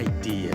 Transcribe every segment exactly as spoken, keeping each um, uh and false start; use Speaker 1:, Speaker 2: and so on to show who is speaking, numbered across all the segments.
Speaker 1: เดีย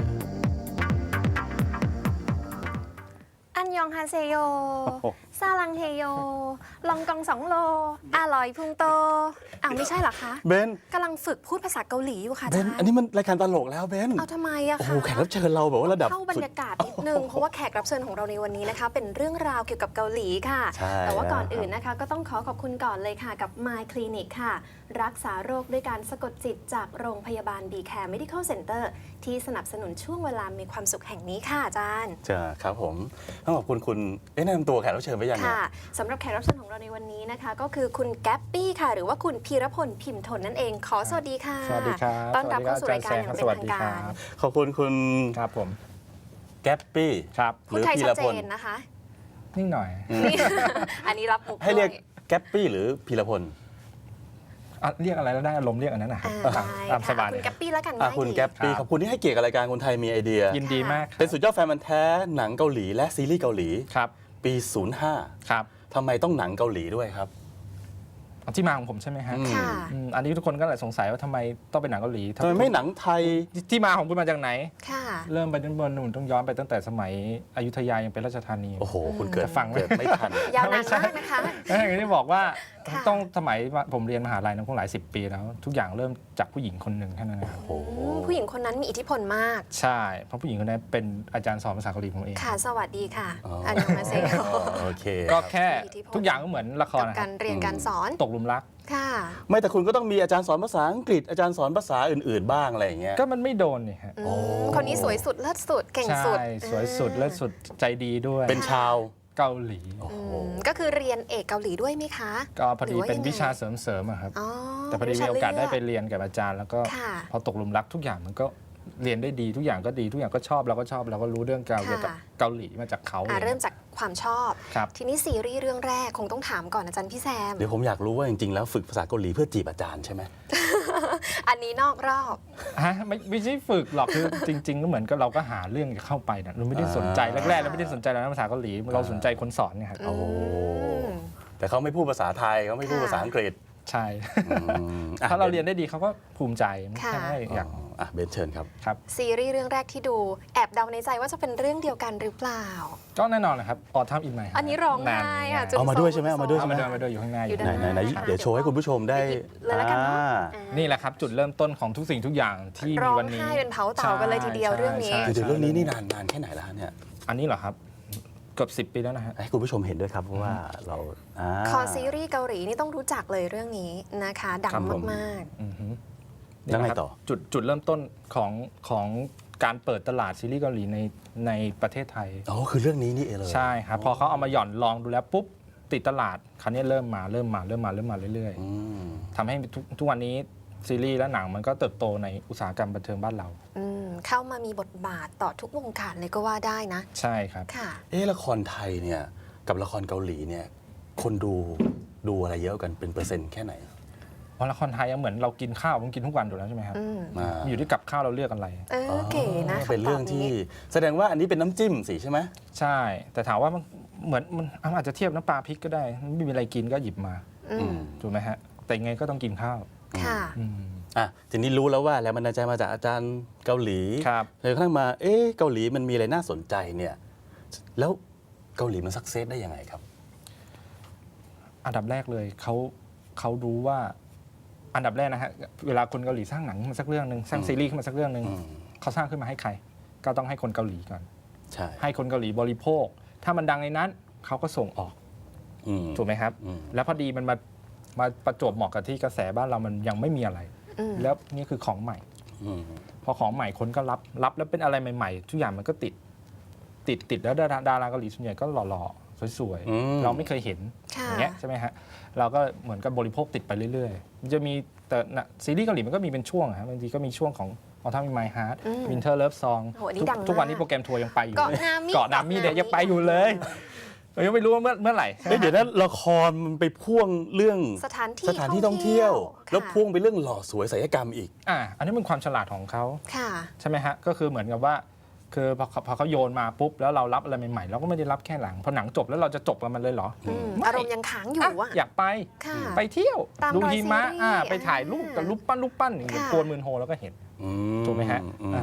Speaker 2: อันยองฮาเซโยซาลังเฮโยลองกองสองโลอร่อยพุงโตอ้าวไม่ใช่เหรอคะ
Speaker 1: เบน
Speaker 2: กำลังฝึกพูดภาษาเกาหลีอยู่ค่ะ
Speaker 1: เบนอันนี้มันรายการตลกแล้วเบน
Speaker 2: เอาทำไมอะคะ
Speaker 1: โอ้โหแขกรับเชิญเราแบบว่าระดับ
Speaker 2: เข้าบรรยากาศนิดนึงเพราะว่าแขกรับเชิญของเราในวันนี้นะคะเป็นเรื่องราวเกี่ยวกับเกาหลีค่ะแต่ว่าก่อนอื่นนะคะก็ต้องขอขอบคุณก่อนเลยค่ะกับ My Clinic ค่ะรักษาโรคด้วยการสะกดจิตจากโรงพยาบาล บี แคร์ Medical Center ที่สนับสนุนช่วงเวลามีความสุขแห่งนี้ค่ะอาจารย์
Speaker 1: จ้าครับผมต้องขอบคุณคุณเอ๊ะแนะนำตัวแขกรับเชิญไปยังไง
Speaker 2: ค่ะสำหรับแขกรับเชิญของเราในวันนี้นะคะก็คือคุณแก๊ปปี้ค่ะหรือว่าคุณพีรพลพิมพ์ทนนั่นเองขอสวัสดีค่ะ
Speaker 3: สวัสดีครับ
Speaker 2: ต้อนรับเข้าสู่รายการอย่างเป็นทางการ
Speaker 1: ขอบคุณคุณ
Speaker 3: ครับผม
Speaker 1: แก๊ปปี้
Speaker 3: ครับ
Speaker 1: หรือพีรพล
Speaker 2: นะคะ
Speaker 3: นิ่งหน่อย
Speaker 2: อันนี้รับมุก
Speaker 1: ให้เรียกแก๊ปปี้หรือพีรพล
Speaker 3: เรียกอะไรแล้วได้อารมณ์เรียกอันนั้นนะครับตามสบาย
Speaker 2: คุณแก๊ปปี้แล้วกัน
Speaker 1: ง่ายคุณแก๊ปปี้ขอบคุณที่ให้เกียรติกับรายการคนไทยมีไอเดีย
Speaker 3: ยินดีมาก
Speaker 1: เป็นสุดยอดแฟนมันแท้หนังเกาหลีและซีรีส์เกาหลี
Speaker 3: ครับ
Speaker 1: ปีศูนย์ห้า
Speaker 3: ครับ
Speaker 1: ทำไมต้องหนังเกาหลีด้วยครับ
Speaker 3: ที่มาของผมใช่ไหมฮะอันนี้ทุกคนก็เลยสงสัยว่าทำไมต้องเป็นหนังเกาหลี
Speaker 1: ทำไมไม่หนังไทย
Speaker 3: ที่มาของคุณมาจากไหน
Speaker 2: ค่ะ
Speaker 3: เริ่มไปด้านบนนู่นต้องย้อนไปตั้งแต่สมัยอยุธยายังเป็นราชธานี
Speaker 1: โอ้โหคุณเกิด
Speaker 3: ฟัง
Speaker 1: เกิดไม่ทัน
Speaker 2: ยาวนานมากนะคะ
Speaker 3: อย่างที่บอกว่าต้องสมัยผมเรียนมหาลัยนั้นคงหลายสิบปีแล้วทุกอย่างเริ่มจากผู้หญิงคนหนึ่งแค่นั้นนะครับ
Speaker 2: ผู้หญิงคนนั้นมีอิทธิพลมาก
Speaker 3: ใช่เพราะผู้หญิงคนนั้นเป็นอาจารย์สอนภาษาเกาหลีผมเอง
Speaker 2: ค่ะสวัสดีค่ะอันยองฮาเซโย
Speaker 1: โอเค
Speaker 3: ก็แค่ทุกอย่างก็เหมือนละคร
Speaker 2: การเรียนการสอน
Speaker 3: ตกหลุมรัก
Speaker 2: ค่ะ
Speaker 1: ไม่แต่คุณก็ต้องมีอาจารย์สอนภาษาอังกฤษอาจารย์สอนภาษาอื่นๆบ้างอะไรอย่างเงี้ย
Speaker 3: ก็มันไม่โดนนี่ฮะ
Speaker 2: คนนี้สวยสุดเลิศสุดเก่งสุด
Speaker 3: ใช่สวยสุดเลิศสุดใจดีด้วย
Speaker 1: เป็นชาว
Speaker 3: เกาหลี
Speaker 2: ก็คือเรียนเอกเกาหลีด้วยไหมคะ
Speaker 3: ก็พอดีเป็นวิชาเสริมๆครับแต่พอดีมีโอกาสได้ไปเรียนกับอาจารย์แล้วก็พอตกหลุมรักทุกอย่างมันก็เรียนได้ดีทุกอย่างก็ดีทุกอย่างก็ชอบเราก็ชอบเราก็รู้เรื่องเกี่ยวกับเกาหลีมาจากเขา
Speaker 2: เริ่มจากความชอบทีนี้ซีรีส์เรื่องแรกคงต้องถามก่อนอาจารย์พี่แซม
Speaker 1: เดี๋ยวผมอยากรู้ว่าจริงๆแล้วฝึกภาษาเกาหลีเพื่อจีบอาจารย์ใช่ไหม
Speaker 2: อันนี้นอกรอบ
Speaker 3: ฮะไม่ไม่ใช่ฝึกหรอกคือจริงๆก็เหมือนกับเราก็หาเรื่องเข้าไปนะเราไม่ได้สนใจแรกๆเราไม่ได้สนใจแล้วภาษาเกาหลีเราสนใจคนสอนไงครับ
Speaker 1: โอ้แต่เขาไม่พูดภาษาไทยเขาไม่พูดภาษาอังกฤษ
Speaker 3: ใช่ถ้าเราเรียนได้ดีเขาก็ภูมิใจไม่ใช่อยาก
Speaker 1: อ่ะเบนเชิญครับ
Speaker 3: ครับ
Speaker 2: ซีรีส์เรื่องแรกที่ดูแอบเดาในใจว่าจะเป็นเรื่องเดียวกันหรือเปล่า
Speaker 3: ก็แน่นอนนะครับออทัมอินไม
Speaker 2: อันนี้ร้องไห้ค่ะ
Speaker 1: เอามาด้วยใช่ไหมเอามาด้วยใช่ไหม
Speaker 3: เอามาด้วยอยู่ข้างหน้าอยู่
Speaker 1: ไหนไหนเดี๋ยวโชว์ให้คุณผู้ชมได้
Speaker 3: นี่แหละครับจุดเริ่มต้นของทุกสิ่งทุกอย่างที่มีวันนี้
Speaker 2: ร้องไห้เป็นเผาเต่ากันเลยทีเดียวเรื่องนี้
Speaker 1: คือเรื่องนี้นี่นานนานแค่ไหนแล้วเนี่ย
Speaker 3: อันนี้เหรอครับเกือบสิบปีแล้วนะฮะ
Speaker 1: ให้คุณผู้ชมเห็นด้วยครับเพราะว่าเรา
Speaker 2: คอซีรีส์เกาหลีนี่ต้องรู้จักเลยเรื่องนี้นะคะดังมาก
Speaker 1: ๆแล้วไงต่อ
Speaker 3: จุดจุดเริ่มต้นของของการเปิดตลาดซีรีส์เกาหลีในในประเทศไทย
Speaker 1: อ๋อคือเรื่องนี้นี่เองเลย
Speaker 3: ใช่ครับพอเขาเอามาหย่อนลองดูแล้วปุ๊บติดตลาดคราวนี้เริ่มมาเริ่มมาเริ่มมาเริ่มมาเรื่อยๆทำให้ทุกทุกวันนี้ซีรีส์และหนังมันก็เติบโตในอุตสาหกรรมบันเทิงบ้านเรา
Speaker 2: เข้ามามีบทบาทต่อทุกวงการเลยก็ว่าได้นะ
Speaker 3: ใช่ครับ
Speaker 1: เออละครไทยเนี่ยกับละครเกาหลีเนี่ยคนดูดูอะไรเยอะกันเป็นเปอร์เซ็นต์แค่ไหน
Speaker 3: เพราะละครไทยเหมือนเรากินข้าวมันกินทุกวันอยู่แล้วใช่ไหมครับอยู่ที่กับข้าวเราเลือกอะไร
Speaker 2: เออเก๋นะ
Speaker 1: เป็นเรื่องที่แสดงว่าอันนี้เป็นน้ำจิ้มสิใช่ไหม
Speaker 3: ใช่แต่ถามว่ามันเหมือนมันอาจจะเทียบน้ำปลาพริกก็ได้ไม่มีอะไรกินก็หยิบมาถูกไหมฮะแต่ยังไงก็ต้องกินข้าว
Speaker 2: ค่ะ
Speaker 1: อ่ะทีนี้รู้แล้วว่าแรงบันดาลใจมาจากอาจารย์เกาหลีเลยกระทั่งมาเอ๊ะเกาหลีมันมีอะไรน่าสนใจเนี่ยแล้วเกาหลีมันสักเซสได้ยังไงครับ
Speaker 3: อันดับแรกเลยเขาเขารู้ว่าอันดับแรกนะฮะเวลาคนเกาหลีสร้างหนังขึ้นมาสักเรื่องหนึ่งสร้างซีรีส์ขึ้นมาสักเรื่องหนึ่งเขาสร้างขึ้นมาให้ใครก็ต้องให้คนเกาหลีก่อน
Speaker 1: ใช่
Speaker 3: ให้คนเกาหลีบริโภคถ้ามันดังในนั้นเขาก็ส่งออกถูกไหมครับแล้วพอดีมันมามาประจวบเหมาะกับที่กระแสบ้านเรามันยังไม่มีอะไรแล้วนี่คือของใหม่พอของใหม่คนก็รับรับแล้วเป็นอะไรใหม่ๆทุกอย่างมันก็ติดติดติดแล้วดาราดาราเกาหลีส่วนใหญ่ก็หล่อๆสวยๆเราไม่เคยเห็นอย่างเงี้ยใช่ไหมฮะเราก็เหมือนกับบริโภคติดไปเรื่อยๆมันจะมีแต่ซีรีส์เกาหลีมันก็มีเป็นช่วงครับบางทีก็มีช่วงของออทัมอินไมฮาร์ทวินเทอร์เลิฟซองทุกวันนี้โปรแกรมทัวร์ยังไปอยู่เกาะนามิเดย์ยังไปอยู่เลยยังไม่รู้ว่าเมื่อเมื่อไหร่
Speaker 1: เดี๋ยวนั้นละครมันไปพ่วงเรื่อง
Speaker 2: สถานที่
Speaker 1: สถานที่ท่องเที่ยวแล้วพ่วงไปเรื่องหล่อสวยศิลปกรรมอีก
Speaker 3: อ่าอันนี้เป็นความฉลาดของเขาใช่ไหมฮะก็คือเหมือนกับว่าคือพอพอเขาโยนมาปุ๊บแล้วเรารับอะไรใหม่ๆเราก็ไม่ได้รับแค่หลังพอหนังจบแล้วเราจะจบกับมันเลยเหรอ
Speaker 2: อารมณ์ยังค้างอยู่อ่ะ
Speaker 3: อยากไปไปเที่ยวดูหิมะไปถ่ายรูปกับรูปปั้นรูปปั้นอย่างเงี้ยโกนมืนโฮแล้วก็เห็นถูกไหมฮะ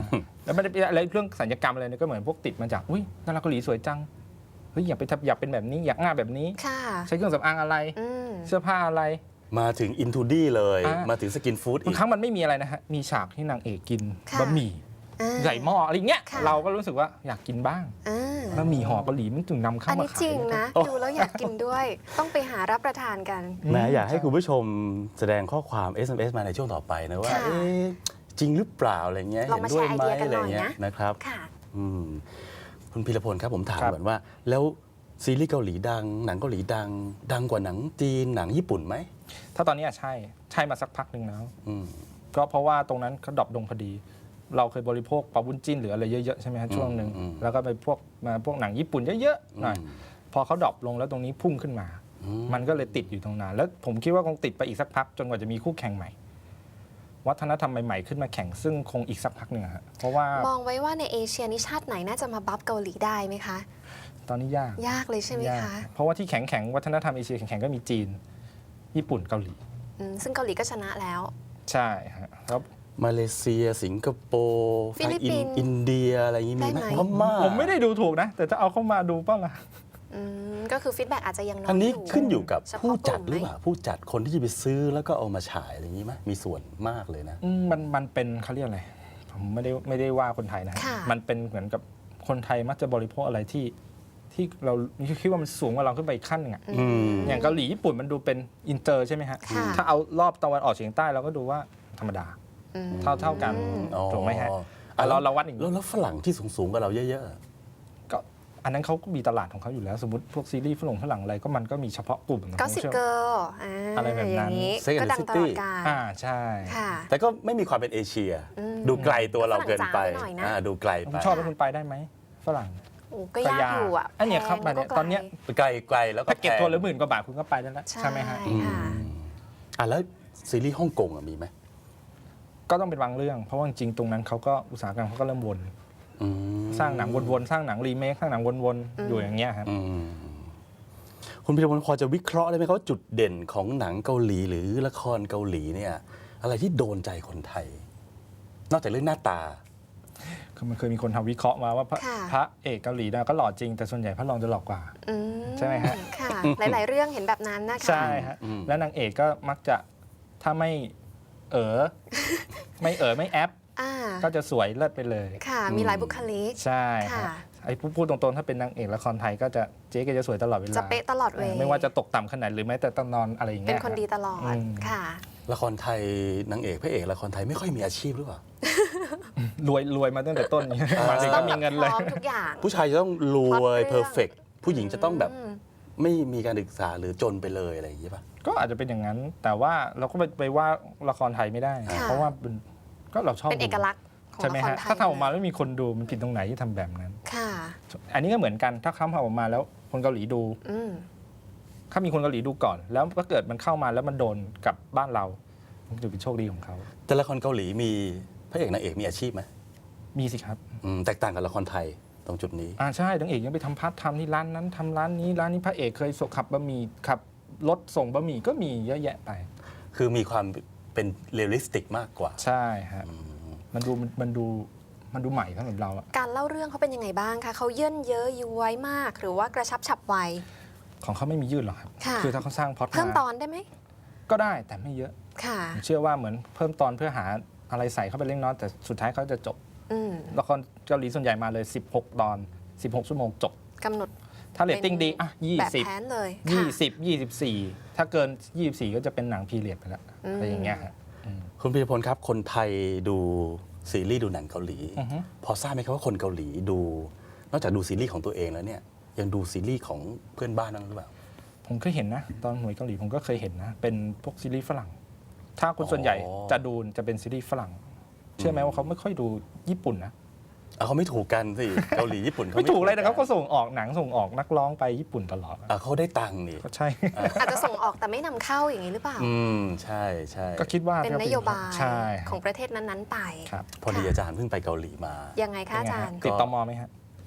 Speaker 3: แล้วไม่ได้อะไรเรื่องสัญญกรรมอะไรเนี่ยก็เหมือนพวกติดมาจากอุ้ยดาราเกาหลีสวยจังเฮ้ยอยากไปทำอยากเป็นแบบนี้อยากหน้าแบบนี้
Speaker 2: ค่ะ
Speaker 3: ใช้เครื่องสำอางอะไร
Speaker 2: อืม
Speaker 3: เสื้อผ้าอะไร
Speaker 1: มาถึงอินทูดี้เลย
Speaker 3: อ่าม
Speaker 1: มาถึงสกินฟู้ดอี
Speaker 3: บาง
Speaker 1: ก
Speaker 3: ครั้งมันไม่มีอะไรนะฮะมีฉากที่นางเอกกิน
Speaker 2: ค่ะ
Speaker 3: บะหมี่
Speaker 2: อ่า
Speaker 3: ใส่หม้ออะไรเงี้ย
Speaker 2: ค่ะ
Speaker 3: เราก็รู้สึกว่าอยากกินบ้าง
Speaker 2: อ่า
Speaker 3: บะหมี่ห่อเกาหลีมันถึงนำเข้า
Speaker 2: อัน
Speaker 3: มา
Speaker 2: นี้
Speaker 3: ขาย
Speaker 2: จริงนะ
Speaker 1: โอ้
Speaker 2: ดูแล้วอยากกินด้วย ต้องไปหารับประทานกัน
Speaker 1: แหม้อยากให้คุณผู้ชมแสดงข้อความ เอส เอ็ม เอส มาในช่วงต่อไปนะว่า
Speaker 2: ค่ะ
Speaker 1: เอ๊ะจริงหรือเปล่าอะไรเงี้ย
Speaker 2: ลองมา
Speaker 1: เห็นด้วย
Speaker 2: แชร์
Speaker 1: ไหม
Speaker 2: ไอเดียกัน
Speaker 1: อะไร
Speaker 2: หน่อย
Speaker 1: เงี้ย
Speaker 2: นะ
Speaker 1: นะครับ
Speaker 2: ค่ะ
Speaker 1: อืมคุณพีรพลครับผมถาม
Speaker 3: ครับ
Speaker 1: ก่อนว่า แล้วซีรีส์เกาหลีดัง หนังเกาหลีดัง ดังกว่าหนังจีนหนังญี่ปุ่นไหม
Speaker 3: ถ้าตอนนี้อะใช่ใช่มาสักพักหนึ่งแล้ว
Speaker 1: อืม
Speaker 3: ก็เพราะว่าตรงนั้นเขาดรอปลงพอดี เราเคยบริโภคปลาบุญจิ้นหรืออะไรเยอะๆใช่ไหมฮะช่วงหนึ่ง
Speaker 1: อืม
Speaker 3: แล้วก็ไปพวกมาพวกหนังญี่ปุ่นเยอะๆหน่อย
Speaker 1: อืม
Speaker 3: พอเขาดรอปลงแล้วตรงนี้พุ่งขึ้นมา
Speaker 1: อืม
Speaker 3: มันก็เลยติดอยู่ตรงนั้นแล้วผมคิดว่าคงติดไปอีกสักพัก จนกว่าจะมีคู่แข่งใหม่ วัฒนธรรมใหม่ๆขึ้นมาแข่งซึ่งคงอีกสักพักหนึ่งอะฮะเพราะว่าม
Speaker 2: องไว้ว่าในเอเชียนี่ชาติไหนน่าจะมาบัฟเกาหลีได้ไหมคะ
Speaker 3: ตอนนี้ยาก
Speaker 2: ยากเลยใช่ไหม
Speaker 3: ยาก
Speaker 2: คะ
Speaker 3: เพราะว่าที่แข็งแข็งๆวัฒนธรรมเอเชียแข็งๆก็มีจีน ญี่ปุ่นเกาหลี
Speaker 2: อืมซึ่งเกาหลีก็ชนะแล้ว
Speaker 3: ใช่ฮะแล้ว
Speaker 1: มาเลเซีย สิงคโปร์
Speaker 2: ฟิลิปปินส์
Speaker 1: อินเดียอะไรอย่างงี้มีไหม
Speaker 2: ได้ไหม
Speaker 1: พม่า
Speaker 3: ผมไม่ได้ดูถูกนะ แต่จะเอาเข้ามาดูเปล่าล่ะ
Speaker 2: อืมก็คือฟีดแบ็กอาจจะยังน้อย
Speaker 1: อันนี้
Speaker 2: ยู่
Speaker 1: ขึ้นอยู่กับ
Speaker 2: เฉพาะ
Speaker 1: ผู้จัด
Speaker 2: ก
Speaker 1: หรือ
Speaker 2: ม
Speaker 1: เปล่าผู้จัดคนที่จะไปซื้อแล้วก็เอามาฉายอะไรอย่างนี้ไหมมีส่วนมากเลยนะ
Speaker 3: อืมมันมันเป็นเขาเรียกอะไรผมไม่ได้ไม่ได้ว่าคนไทยนะฮะ
Speaker 2: ค่ะ
Speaker 3: มันเป็นเหมือนกับคนไทยมักจะบริโภคอะไรที่ที่เราคิดว่ามันสูงกว่าเราขึ้นไปอีกขั้นหนึงอะ
Speaker 1: อืม
Speaker 3: อย่างเกาหลีญี่ปุ่นมันดูเป็นอินเตอร์ใช่ไหมฮะ
Speaker 2: ค่ะ
Speaker 3: ถ้าเอารอบตะวันออกเฉียงใต้เราก็ดูว่าธรรมดา
Speaker 2: อืม
Speaker 3: เท่าเท่ากัน
Speaker 1: อ๋อ
Speaker 3: ถูกไหมฮะ
Speaker 1: อ่ะ
Speaker 3: อ่ะเรา
Speaker 1: แล้ว
Speaker 3: เราวัดอย่าง
Speaker 1: แล้ว
Speaker 3: นี้
Speaker 1: แล้วฝรั่งที่สูงๆกับเราเยอะ
Speaker 3: ก็อันนั้นเขาก็มีตลาดของเขาอยู่แล้ว สมมติพวกซีรีส์ฝรั่งฝรั่งอะไรก็มันก็มีเฉพาะกลุ่มของ
Speaker 2: ก็
Speaker 3: เขา
Speaker 2: สิบ
Speaker 3: เชื่อ
Speaker 2: เกิร์ลอ่า
Speaker 3: อะไรแบบนั้น
Speaker 2: อย่างนี้
Speaker 1: Sex and
Speaker 2: ก็
Speaker 1: the
Speaker 2: ดังตลอด
Speaker 1: City
Speaker 2: กาล
Speaker 3: อ่าใช่
Speaker 2: ค่ะ
Speaker 1: ๆ แต่ก็ไม่มีความเป็นเอเชีย
Speaker 2: อืม
Speaker 1: ดูไกลตัวเราเกินไป
Speaker 2: ฝรั่งจ๋าหน่อยนะ
Speaker 1: อ่าดูไกล
Speaker 3: คุ
Speaker 1: ไป
Speaker 3: ณชอบแล้วคุณไปได้ไหมฝรั่ง
Speaker 2: โอ้ก็ยากอยู่อ่ะ
Speaker 3: อันเนี้ยครับ
Speaker 2: แพง
Speaker 3: มาเนี่ย
Speaker 2: แล้วก็
Speaker 3: ตอนเนี้ย
Speaker 1: ไกลไกลแล้วก็
Speaker 3: แพ็กเก็ต
Speaker 1: แพง
Speaker 3: ตัวละหมื่นกว่าบาทคุณก็ไปได้แล้ว
Speaker 2: ใช่
Speaker 3: ใช่ไหมฮะ
Speaker 1: อืม
Speaker 2: ค่ะ
Speaker 1: อ่ะแล้วซีรีส์ฮ่องกงอ่ะมีไหม
Speaker 3: ก็ต้องเป็นบางเรื่อง เพราะว่าจริงๆตรงนั้นเขาก็อุตสาหกรรมเขาก็เริ่มวน
Speaker 1: อืม
Speaker 3: สร้างหนังวนๆ สร้างหนังรีเมค สร้างหนังวนๆ อยู่อย่างเงี้ยครับ
Speaker 1: อืมคุณพิรพลพอจะวิเคราะห์ได้ไหมครับว่าจุดเด่นของหนังเกาหลีหรือละครเกาหลีเนี่ย อะไรที่โดนใจคนไทย นอกจากเรื่องหน้าตา
Speaker 3: คือมันเคยมีคนทำวิเคราะห์มาว่าพระ
Speaker 2: ค่ะ
Speaker 3: พระเอกเกาหลีนะก็หล่อจริง แต่ส่วนใหญ่พระรองจะหล่อกว่า
Speaker 2: อื
Speaker 3: ใช่ไหมฮะ
Speaker 2: ค่ะ หลาย ๆ เรื่องเห็นแบบนั้นนะคะ
Speaker 3: ใช่ฮะ
Speaker 1: อืม
Speaker 3: แล้วนางเอกก็มักจะถ้าไม่เออ ไม่เออไม่แอป
Speaker 2: อ่า
Speaker 3: ก็จะสวยเลิศไปเลย
Speaker 2: ค่ะ มีหลายบุคลิก
Speaker 3: ใช่ฮะ
Speaker 2: ค่ะ
Speaker 3: ไอ้พูดพูดตรงๆ ถ้าเป็นนางเอกละครไทยก็จะเจ๊ก็จะสวยตลอดเวลา
Speaker 2: จะเป๊ะตลอดเว
Speaker 3: เออไม่ว่าจะตกต่ำขนาดหรือแม้แต่ตอนนอนอะไรอย่าง
Speaker 2: เป็
Speaker 3: เงี้
Speaker 2: น
Speaker 3: ย
Speaker 2: คนดีตลอด
Speaker 3: อืม
Speaker 2: ค่ะ
Speaker 1: ละครไทยนางเอกพระเอกละครไทยไม่ค่อยมีอาชีพหรือเปล่า
Speaker 3: รวยรวยมาตั้งแต่ต้นนี้มาถึงก็มีเงินเลย
Speaker 2: พร้อมทุกอย่าง
Speaker 1: ผู้ชายจะต้องรวย
Speaker 2: พล็อตเรื่อง
Speaker 1: เพอร์เฟกผู้หญิงจะต้องแบบ
Speaker 2: อืม
Speaker 1: ไม่มีการศึกษาหรือจนไปเลยอะไรอย่างนี้ป่ะ
Speaker 3: ก็อาจจะเป็นอย่างนั้น แต่ว่าเราก็ไปไปว่าละครไทยไม่ได้
Speaker 2: ค่ะ
Speaker 3: เพราะว่าเป็นก็เราชอบ
Speaker 2: เป็นเอกลักษณ์ของ
Speaker 3: ใช่ไหม
Speaker 2: ละคร
Speaker 3: ฮะ
Speaker 2: ไทย
Speaker 3: ถ้าทำออกมาแล้วมีคนดูมันผิดตรงไหนที่ทำแบบนั้น
Speaker 2: ค่ะ
Speaker 3: อันนี้ก็เหมือนกันถ้าเขาทำออกมาแล้วคนเกาหลีดู
Speaker 2: อืม
Speaker 3: ถ้ามีคนเกาหลีดูก่อน แล้วถ้าเกิดมันเข้ามาแล้วมันโดนกับบ้านเรามันจะเป็นโชคดีของเขา
Speaker 1: แต่ละครเกาหลีมีพระเอกนางเอกมีอาชีพไหม
Speaker 3: มีสิครับ
Speaker 1: อืมแตกต่างกับละครไทยตรงจุดนี้
Speaker 3: อ่าใช่นางเอกยังไปทำพาร์ทไทม์ที่ร้านนั้นทำร้านนี้ร้านนี้พระเอกเคยส่งขับบะหมี่ขับรถส่งบะหมี่ก็มีเยอะแยะไป
Speaker 1: คือมีความเป็นเรียลลิสติกมากกว่า
Speaker 3: ใช่ฮะ
Speaker 1: อืม
Speaker 3: มันดูมันดูมันดูใหม่สำหรับเราอะ
Speaker 2: การเล่าเรื่องเขาเป็นยังไงบ้างคะเขาเยื่นเยอะย้วยมาก หรือว่ากระชับฉับไว
Speaker 3: ของเขาไม่มียืดหรอกครับ
Speaker 2: ค่ะ
Speaker 3: คือถ้าเขาสร้างพล็อต
Speaker 2: เพิ่มต
Speaker 3: มา
Speaker 2: อนได้ไหม
Speaker 3: ก็ได้แต่ไม่เยอะ
Speaker 2: ค่ะ
Speaker 3: ผมเชื่อว่าเหมือนเพิ่มตอนเพื่อหาอะไรใส่เข้าไปเล็กน้อยแต่สุดท้ายเขาจะจบ
Speaker 2: อืม
Speaker 3: ละครเกาหลีส่วนใหญ่มาเลย สิบหก ตอน สิบหก ชั่วโมงจบ
Speaker 2: กำหนด
Speaker 3: ถ้าเรตติ้งดีอ่ะ
Speaker 2: แบบ
Speaker 3: ยี่สิบ
Speaker 2: แผนเลย
Speaker 3: ยี่
Speaker 2: ค่ะ
Speaker 3: สิบ ยี่สิบสี่ ถ้าเกิน ยี่สิบสี่ ก็จะเป็นหนังพีเรียดไปแล้ว
Speaker 2: อืม
Speaker 3: อะไรอย่างเงี้ยฮะอืม
Speaker 1: คุณพิรพลครับ คนไทยดูซีรีส์ดูหนังเกาหลี
Speaker 3: อือฮึ
Speaker 1: พอทราบไหมครับว่าคนเกาหลีดู นอกจากดูซีรีส์ของตัวเองแล้วเนี่ยยังดูซีรีส์ของเพื่อนบ้านนั่นหรือเปล่า
Speaker 3: ผมเคยเห็นนะ ตอนหน่วยเกาหลีผมก็เคยเห็นนะ เป็นพวกซีรีส์ฝรั่ง ถ้าคนส่วนใหญ่
Speaker 1: อ๋อ
Speaker 3: จะดูจะเป็นซีรีส์ฝรั่ง เชื่อไหมว่าเขาไม่ค่อยดูญี่ปุ่นนะ
Speaker 1: อ่ะเขาไม่ถูกกันสิ เกาหลีญี่ปุ่นเขา
Speaker 3: ไม่ถูกเลยนะเขา
Speaker 1: กั
Speaker 3: ก็ส่งออกหนังส่งออกนักร้องไปญี่ปุ่นตลอด
Speaker 1: อ่ะเขาได้ตังค์นี่
Speaker 3: ก็ใช่
Speaker 2: อาจจะส่งออกแต่ไม่นำเข้าอย่างนี้หรือเปล่า
Speaker 1: อืมใช่ใช่
Speaker 3: ก็คิดว่า
Speaker 2: เป็น
Speaker 3: ถ้
Speaker 2: นโยบาย
Speaker 3: ใช่
Speaker 2: ของประเทศนั้น ๆ ไป
Speaker 3: ครับ
Speaker 1: พอดีอาจารย์เพิ่งไปเกาหลีมา
Speaker 2: ยังไงคะอาจารย์
Speaker 3: ติดตมไหมฮะ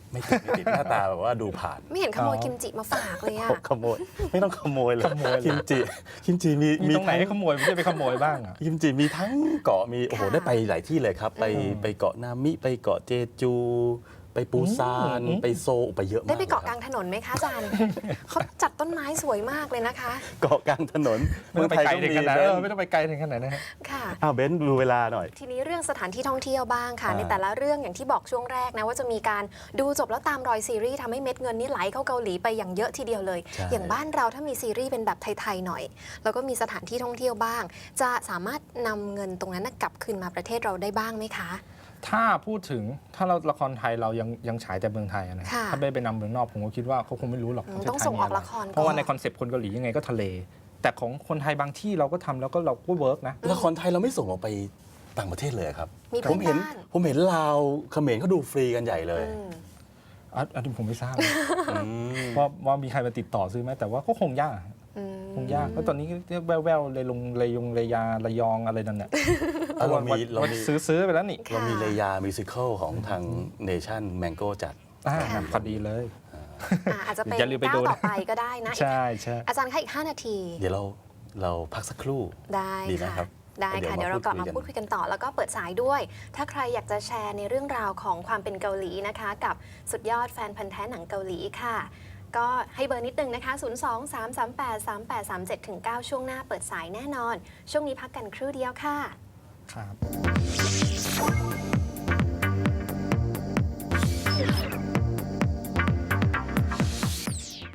Speaker 1: ไม่ติดไม่ติดหน้าตาแบบว่าดูผ่าน
Speaker 2: ไม่เห็นขโมยกิมจิมาฝากเลยอะ
Speaker 1: ขโมยไม่ต้องขโมยเลย
Speaker 3: ขโมยเลย
Speaker 1: กิมจิกิมจิมี
Speaker 3: มีตรงไหน
Speaker 1: ทั้
Speaker 3: ให้ขโมยไม่ใช่ไปขโมยบ้างอ่ะ
Speaker 1: กิมจิมีทั้งเกาะมีโอ้โห
Speaker 2: ค่ะ
Speaker 1: ได้ไปหลายที่เลยครับ ไป
Speaker 3: อืม
Speaker 1: ไปเกาะนามิไปเกาะเจจู ไปปูซาน
Speaker 3: อืม
Speaker 1: ไปโซลไปเยอะมาก
Speaker 2: ได้ไปเกาะ
Speaker 1: ลย
Speaker 2: ก
Speaker 1: ค
Speaker 2: ลา
Speaker 1: รับ
Speaker 2: งถนนไหมคะอาจารย์ เขาจัดต้นไม้สวยมากเลยนะคะ
Speaker 1: เกาะกลางถนน
Speaker 3: ไม่ต้องไปไกลถึงขนาด
Speaker 1: เบ
Speaker 3: เออน ไม่ต้องไปไกลถึงขนาดนั้นฮะ
Speaker 2: ค่ะ
Speaker 1: อ้าวเบนซ์ดูเวลาหน่อย
Speaker 2: ทีนี้เรื่องสถานที่ท่องเที่ยวบ้างค่ะ
Speaker 1: อ่า
Speaker 2: ในแต่ละเรื่องอย่างที่บอกช่วงแรกนะว่าจะมีการดูจบแล้วตามรอยซีรีส์ทำให้เม็ดเงินนี่ไหลเข้าเกาหลีไปอย่างเยอะทีเดียวเลย
Speaker 1: ใช่
Speaker 2: อย่างบ้านเราถ้ามีซีรีส์เป็นแบบไทยๆหน่อย แล้วก็มีสถานที่ท่องเที่ยวบ้าง จะสามารถนำเงินตรงนั้นนะกลับคืนมาประเทศเราได้บ้างไหมคะ
Speaker 3: ถ้าพูดถึงถ้าเราละครไทยเรายังยังฉายแต่เมืองไทยอะนะ
Speaker 2: ค่ะ
Speaker 3: ถ้าไปไปนำเมืองนอกผมก็คิดว่าเขาคงไม่รู้หรอก
Speaker 2: อืม
Speaker 3: ประเทศ
Speaker 2: ต้อง
Speaker 3: ไทย
Speaker 2: ส่งออก
Speaker 3: มีไร
Speaker 2: ละครก่อน
Speaker 3: เพราะว่าในคอนเซปต์คนเกาหลียังไงก็ทะเล แต่ของคนไทยบางที่เราก็ทำแล้วก็เราก็เวิร์กนะ
Speaker 1: ละครไทยเราไม่ส่งออกไปต่างประเทศเลยครับ
Speaker 2: มี
Speaker 1: ผมเห็น
Speaker 2: เพื่อนบ้าน
Speaker 1: ผมเห็นลาวเขมรเขาดูฟรีกันใหญ่เลย
Speaker 2: อืม
Speaker 3: อันอันนี้ผมไม่ทราบนะ
Speaker 1: อืม
Speaker 3: ว่าว่ามีใครมาติดต่อซื้อไหมแต่ว่าก็คงยาก
Speaker 2: อืม
Speaker 3: คงยากเพราะตอนนี้แววๆเลยลงเลยงเลยาระยองอะไรนั่นเนี่ย
Speaker 1: เอาเรามีเรา
Speaker 3: ว่า
Speaker 1: มี
Speaker 3: ซื้อซื้อไปแล้วนี่
Speaker 2: ค่ะ
Speaker 1: เรามีเลยามิวสิควลของทางเนชั่นแมงโก้จัด
Speaker 3: อ่า
Speaker 2: ค่ะ
Speaker 3: พอดีเลย
Speaker 2: อ่าอาจจะเป็น
Speaker 3: อย่าลืมไป
Speaker 2: ก้า
Speaker 3: ดู
Speaker 2: ว
Speaker 3: นะ
Speaker 2: ต่อไปก็ได้นะ
Speaker 3: ใช่ใช่
Speaker 2: อาจารย์คะอีก ห้า นาที
Speaker 1: เดี๋ยวเราเราพักสักครู่
Speaker 2: ได้
Speaker 1: ดีไหม
Speaker 2: ค่ะ
Speaker 1: ครับ
Speaker 2: ได้ค่ะ
Speaker 1: เดี๋
Speaker 2: เดี๋ย
Speaker 1: ยว ว
Speaker 2: เรากลับมา
Speaker 1: มาพู
Speaker 2: พู
Speaker 1: ด
Speaker 2: ด
Speaker 1: คุ
Speaker 2: คุ
Speaker 1: ย
Speaker 2: ย
Speaker 1: กั
Speaker 2: กัน นต่อ แล้วก็เปิดสายด้วย ถ้าใครอยากจะแชร์ในเรื่องราวของความเป็นเกาหลีนะคะ กับสุดยอดแฟนพันธ์แท้หนังเกาหลีค่ะ ก็ให้เบอร์นิดนึงนะคะ ศูนย์ สอง สาม สาม แปด สาม แปด สาม เจ็ด เก้า ช่วงหน้าเปิดสายแน่นอน ช่วงนี้พักกันครู่เดียวค่ะ
Speaker 3: ครับ